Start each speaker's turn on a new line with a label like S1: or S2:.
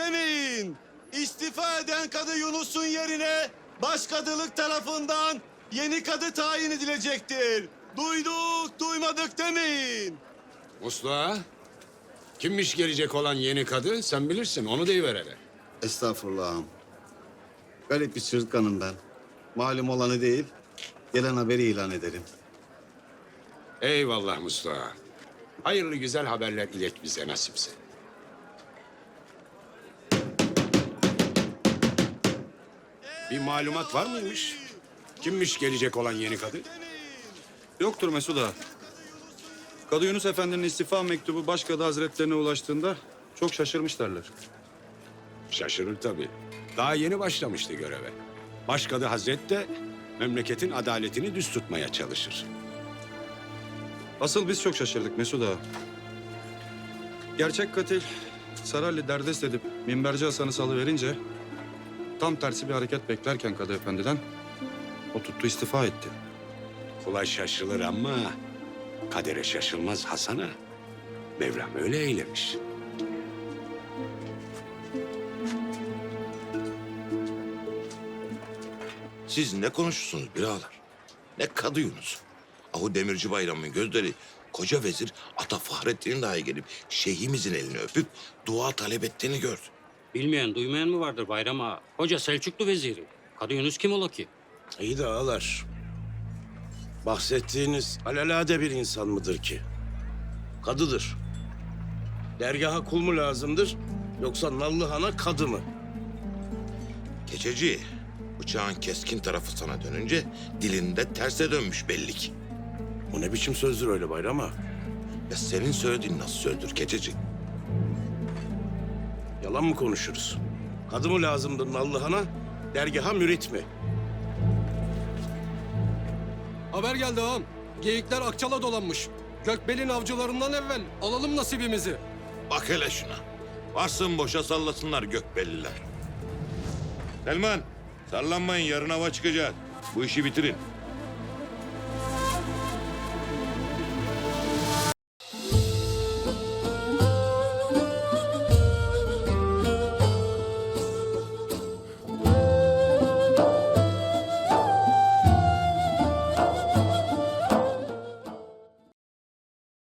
S1: demeyin. İstifa eden kadı Yunus'un yerine başkadılık tarafından yeni kadı tayin edilecektir. Duyduk, duymadık demeyin.
S2: Mustafa, kimmiş gelecek olan yeni kadı? Sen bilirsin, onu deyiver hele.
S1: Estağfurullah ağam. Garip bir çırtkanım ben. Malum olanı değil, gelen haberi ilan ederim.
S2: Eyvallah Mustafa. Hayırlı güzel haberler ilet bize nasipse. Bir malumat var mıymış? Kimmiş gelecek olan yeni kadı?
S3: Yoktur Mesut Ağa. Kadı Yunus Efendi'nin istifa mektubu Başkadı Hazretlerine ulaştığında çok şaşırmışlarlar.
S2: Şaşırır tabii. Daha yeni başlamıştı göreve. Başkadı Hazret de memleketin adaletini düz tutmaya çalışır.
S3: Asıl biz çok şaşırdık Mesut Ağa. Gerçek katil Saralli derdest edip Minberci Hasan'ı salıverince tam tersi bir hareket beklerken Kadı Efendi'den o tuttu istifa etti.
S2: Kolay şaşılır ama kadere şaşılmaz Hasan'a. Mevlam öyle eylemiş.
S4: Siz ne konuşursunuz birader? Ne Kadı Yunus? Ahu Demirci Bayram'ın gözleri koca vezir Ata Fahrettin'in dahi gelip şeyhimizin elini öpüp dua talep ettiğini gördü.
S5: Bilmeyen, duymayan mı vardır Bayram Ağa? Hoca Selçuklu veziri. Kadı Yunus kim ola ki?
S6: İyi de ağalar. Bahsettiğiniz alelade bir insan mıdır ki? Kadıdır. Dergaha kul mu lazımdır yoksa Nallıhan'a kadı mı?
S4: Keçeci, bıçağın keskin tarafı sana dönünce dilinde terse dönmüş belli ki.
S6: Bu ne biçim sözdür öyle Bayram Ağa?
S4: Ya senin söylediğin nasıl sözdür Keçeci?
S6: Yalan mı konuşuruz? Kadı mı lazımdır Nallıhan'a, dergaha mürit mi?
S7: Haber geldi ağam. Geyikler Akçal'a dolanmış. Gökbel'in avcılarından evvel alalım nasibimizi.
S4: Bak hele şuna. Varsın boşa sallasınlar gökbelliler. Selman, sallanmayın yarın hava çıkacak. Bu işi bitirin.